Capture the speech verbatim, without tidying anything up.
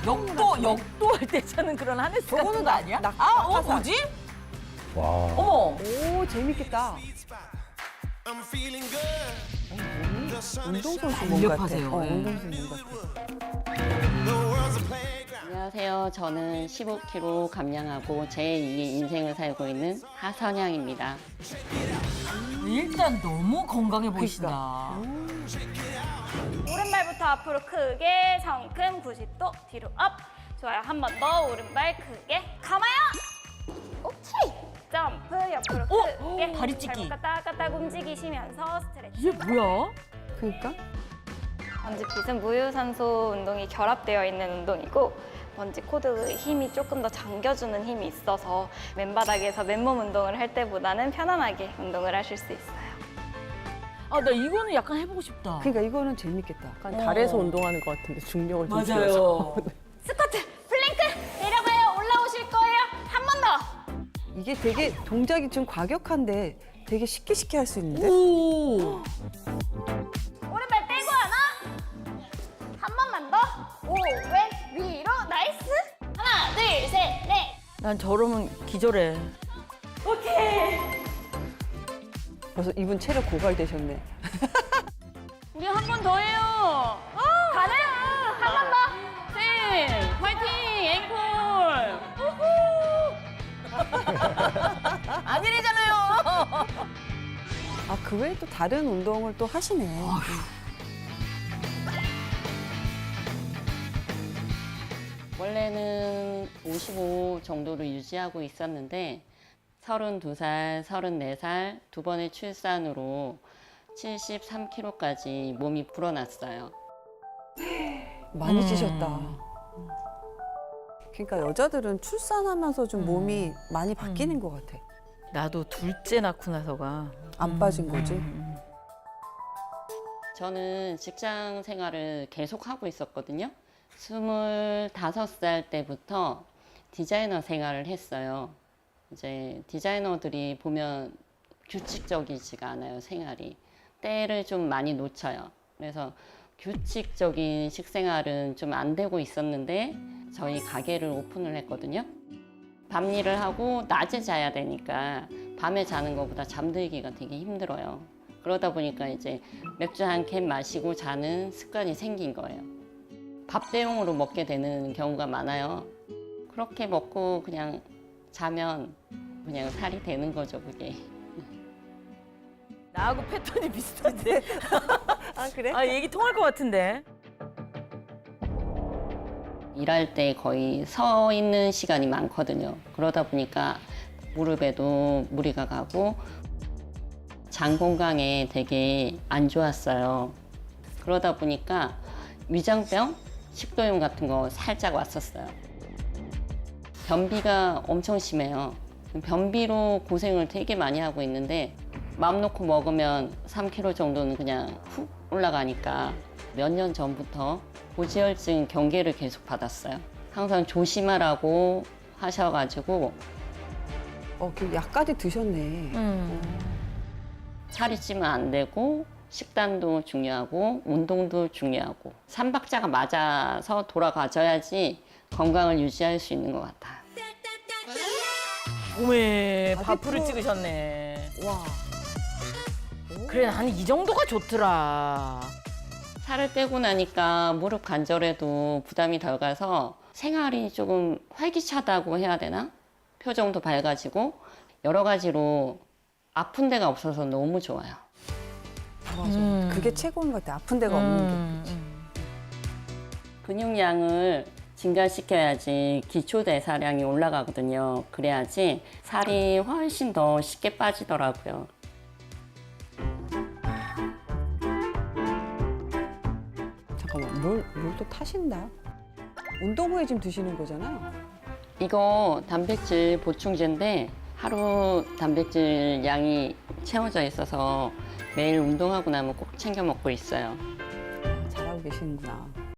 역도 역도 할 때 차는 그런 하네스 같은 거 아니야? 낙- 아, 어 낙하산. 뭐지? 와. 어머. 오, 재밌겠다. 운동선수 몸 같아. 강력하세요. 어, 예. 운동선수 몸 같아. 안녕하세요. 저는 십오 킬로그램 감량하고 제이의 인생을 살고 있는 하선양입니다. 일단 너무 건강해 보이신다. 오른발부터 앞으로 크게 성큼 구십 도 뒤로 업. 좋아요. 한 번 더 오른발 크게 감아요. 오케이. 점프 옆으로 어? 크게. 다리 찢기. 발목 까딱까딱 움직이시면서 스트레치. 이게 뭐야? 그러니까? 번지핏은 무유산소 운동이 결합되어 있는 운동이고 번지 코드의 힘이 조금 더 잠겨주는 힘이 있어서 맨바닥에서 맨몸 운동을 할 때보다는 편안하게 운동을 하실 수 있어요. 아, 나 이거는 약간 해보고 싶다. 그러니까 이거는 재밌겠다. 약간 어. 달에서 운동하는 것 같은데 중력을 좀 줄여서. 맞아요. 스쿼트, 플랭크 내려가요. 올라오실 거예요. 한 번 더. 이게 되게 동작이 좀 과격한데 되게 쉽게 쉽게 할 수 있는데? 오. 오른발 떼고 하나. 한 번만 더. 오, 왼, 위로. 나이스. 하나, 둘, 셋, 넷. 난 저러면 기절해. 오케이. 벌써 이분 체력 고갈되셨네. 우리 한 번 더 해요. 가능? 한 번 더. 쌤! 화이팅! 앵콜! 아니래잖아요. 아, 그 외에 또 다른 운동을 또 하시네. 원래는 오십오 정도를 유지하고 있었는데 서른두 살, 서른네 살 두 번의 출산으로 칠십삼 킬로그램까지 몸이 불어났어요. 많이 음. 찌셨다. 그러니까 여자들은 출산하면서 좀 몸이 많이 바뀌는 것 같아. 나도 둘째 낳고 나서가 안 빠진 거지. 음. 저는 직장 생활을 계속 하고 있었거든요. 스물다섯 살 때부터 디자이너 생활을 했어요. 이제 디자이너들이 보면 규칙적이지가 않아요, 생활이. 때를 좀 많이 놓쳐요. 그래서 규칙적인 식생활은 좀 안 되고 있었는데 저희 가게를 오픈을 했거든요. 밤 일을 하고 낮에 자야 되니까 밤에 자는 것보다 잠들기가 되게 힘들어요. 그러다 보니까 이제 맥주 한 캔 마시고 자는 습관이 생긴 거예요. 밥 대용으로 먹게 되는 경우가 많아요. 그렇게 먹고 그냥 자면 그냥 살이 되는 거죠, 그게. 나하고 패턴이 비슷한데. 아, 그래? 아, 얘기 통할 것 같은데. 일할 때 거의 서 있는 시간이 많거든요. 그러다 보니까 무릎에도 무리가 가고 장 건강에 되게 안 좋았어요. 그러다 보니까 위장병, 식도염 같은 거 살짝 왔었어요. 변비가 엄청 심해요. 변비로 고생을 되게 많이 하고 있는데 마음 놓고 먹으면 삼 킬로그램 정도는 그냥 훅 올라가니까 몇 년 전부터 고지혈증 경계를 계속 받았어요. 항상 조심하라고 하셔가지고 어, 그 약까지 드셨네. 음. 살이 찌면 안 되고 식단도 중요하고 운동도 중요하고 삼박자가 맞아서 돌아가져야지 건강을 유지할 수 있는 것 같아요. 몸에 아, 밥풀을 그- 찍으셨네. 와. 그래, 한 이 정도가 좋더라. 살을 빼고 나니까 무릎 관절에도 부담이 덜 가서 생활이 조금 활기차다고 해야 되나? 표정도 밝아지고 여러 가지로 아픈 데가 없어서 너무 좋아요. 맞아. 음. 그게 최고인 것 같아. 아픈 데가 없는 게. 음. 근육량을 증가시켜야지 기초대사량이 올라가거든요. 그래야지 살이 훨씬 더 쉽게 빠지더라고요. 잠깐만, 뭘, 뭘 또 타신다? 운동 후에 지금 드시는 거잖아요. 이거 단백질 보충제인데 하루 단백질 양이 채워져 있어서 매일 운동하고 나면 꼭 챙겨 먹고 있어요. 잘하고 계시는구나.